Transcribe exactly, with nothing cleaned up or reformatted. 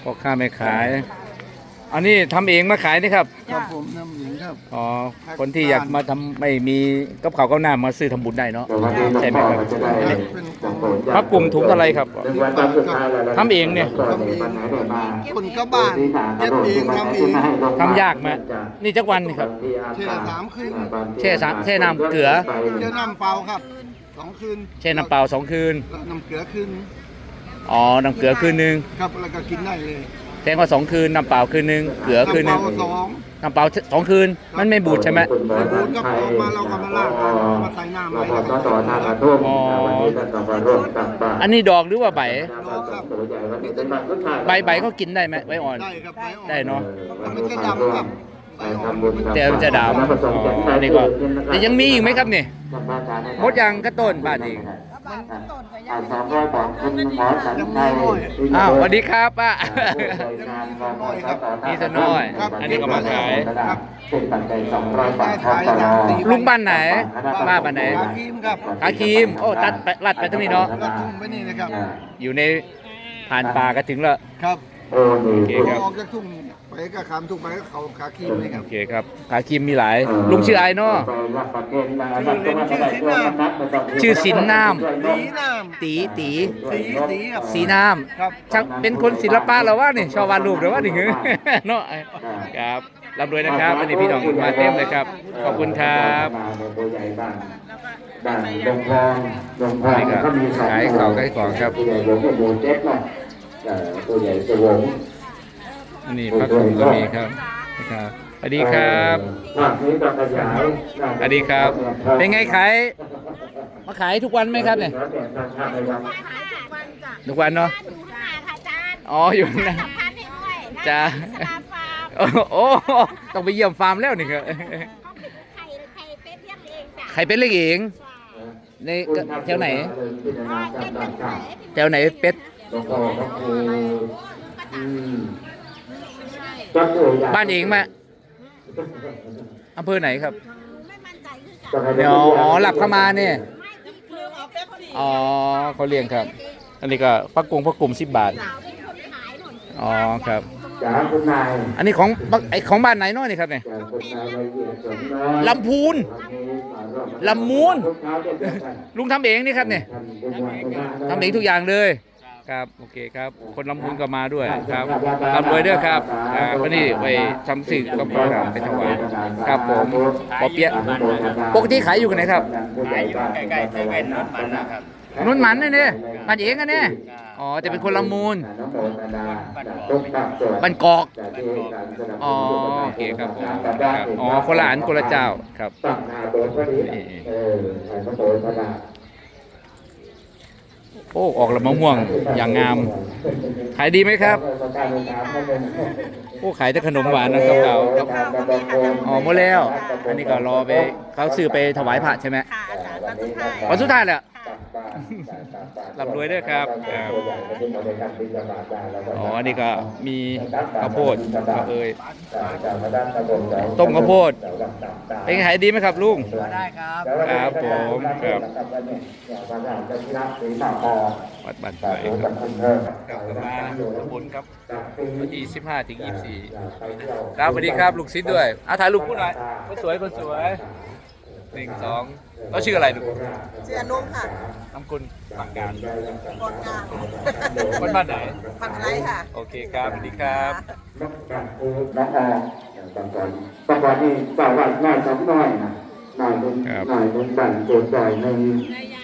พ่อค้าแม่ขายอันนี้ทำเองมาขายนี่ครับครับผมน้ำหญิงครับอ๋อคนที่อยากมาทำไม่มีกับข้าวกับน้ำมาซื้อทำบุญได้เนาะใช่ไหมครับเป็นของพักกลุ่มถุงเท่าไรครับทำเองเนี่ยทำเองคนก็บ้านเย็บเองทำเองทำยากไหมนี่จักวันนี่ครับเช่สามคืนแช่สามแช่น้ำเกลือเช่น้ำเปล่าครับสองคืนแช่น้ำเปล่าสองคืนแล้วน้ำเกลือคืนอ๋อน้ำเกลือคืนนึงครับแล้วก็กินได้เลยแทงว่าสองคืนน้ำเปล่าคืนนึงเกลือคืนนึงน้ำเปล่าสองน้ำเปล่าสองคืนมันไม่บูดใช่ไหมไม่บูดก็ออกมาเราก็มาล้างมาใส่น้ำไว้แล้วก็อ๋ออันนี้ดอกหรือว่าใบรอครับใบใบเขากินได้ไหมใบอ่อนได้ครับใบอ่อนได้เนาะแต่มันจะดำครับใบอ่อนแต่มันจะดำอ๋ออันนี้ก็แต่ยังมีอีกไหมครับนี่มดยางกระต้นบ้านเอง อ้าวสวัสดีครับป้านี่จะน้อย อันนี้ก็มาขาย ลุงบ้านไหนป้าบ้านไหนขาครีมครับขาครีม โอ้ ตัดไปลัดไปตรงนี้เนาะแล้วทุ่มไปนี่นะครับอยู่ในผ่านป่าก็ถึงแล้วครับโอเคครับออกจากทุ่งไปก็ขามทุ่งไปก็เขาขาครีมเลยครับโอเคครับ ขาครีมมีหลาย ลุงชื่อไอ้เนาะ ชื่อสินน้สีน้ำตีตีำสีสีครับสีน้ครับำช่างเป็นคนศิลปะเหรอวะนี่ชอบวาดรูปเหรอวะนี่ เนาะครับร่ำรวยนะครับอันนี้พี่น้องมาเต็มเลยครับ ขอบคุณครับนี่ก็ขายของขายของครับตัวใหญ่สวงอันนี้พระคุมก็มีครับนะครับสวัสดีครับภาคนี้ก็ขยายสวัสดีครับ เป็นไงขายมาขายทุกวันไหมครับเนี่ยทุกวันเนาะอยู่ข้างหน้าค่ะอาจารย์อ๋ออยู่นะสัมพันธ์ให้ด้วยจ้าสลาฟาร์มโอ้โอ้ต้องไปเยี่ยมฟาร์มแล้วนี่ครับเขาเป็นไข่ไข่เป็ดเลี้ยงเองจ้ะใครเป็นเล็กเองในแถวไหนก็เป็นคนไหนแถวไหนเป็ด บ้านเองมาอำเภอไหนครับไม่มั่นใจคือกันเดี๋ยวอ๋อหลับเข้ามาเนี่ยไม่ที่คือเอาเป็ดพอดีอ๋อเขาเลี้ยงครับ อันนี้ก็พักกงพักกลุ่มสิบบาทเป็นคนขายหน่อยอ๋อครับจ๋าคุณนายอันนี้ของไอของบ้านไหนเน้อยนี่ครับเนี่ยจากคุณนายละเอียดสมน้อยลำพูน ลำมูล ลุงทำเองนี่ครับเนี่ยทำเองทุกอย่างเลยครับโอเคครับ คนลำพูนก็มาด้วยครับลำรวยด้วยครับอ่าวันนี้ไปทำสื่อก็พอครับไปถวายครับผมปอเปี๊ยะปกติขายอยู่กันไหนครับขายอยู่ใกล้ๆเซเว่นนุ่นหมันนี่เนี่ยบ้านเองกันเนี่ยอ๋อจะเป็นคนลำมูลบ้านกอกอ๋อโอเคครับผมครับอ๋อคนละอันคนละเจ้าครับตั้งนาโดนพอดีเออใส่พระโตพระดาโอ้ออกละมะม่วงอย่างงาม ขายดีไหมครับ โอ้ขายแต่ขนมหวานนะครับเราครับอ๋อหมดแล้ว อันนี้ก็รอไปเขาซื้อไปถวายพระใช่ไหมค่ะอาจารย์วันสุดท้ายวันสุดท้ายแหละค่ะร่ำรวยด้วยครับครับอ๋ออันนี้ก็มีข้าวโพดข้าวเอยต้มข้าวโพดเป็นไงขายดีไหมครับลุงได้ครับครับผมครับวัดบ้านไผ่ครับกลับมาบนครับวันที่สิบห้าถึงยี่สิบสี่ครับสวัสดีครับลูกศิษย์ด้วยอาถ่ายรูปคู่หน่อยคนสวยคนสวยหนึ่งสองเขาชื่ออะไรลูกเสียนุ่มค่ะน้ำกุลฝั่งการคนงานคนบ้านไหนพันไรค่ะโอเคครับสวัสดีครับน้องออบางคนบางคนนี่เปล่าว่าน้อยสองน้อยนะน้อยเป็นน้อยเป็นบั่นโกรธใจใน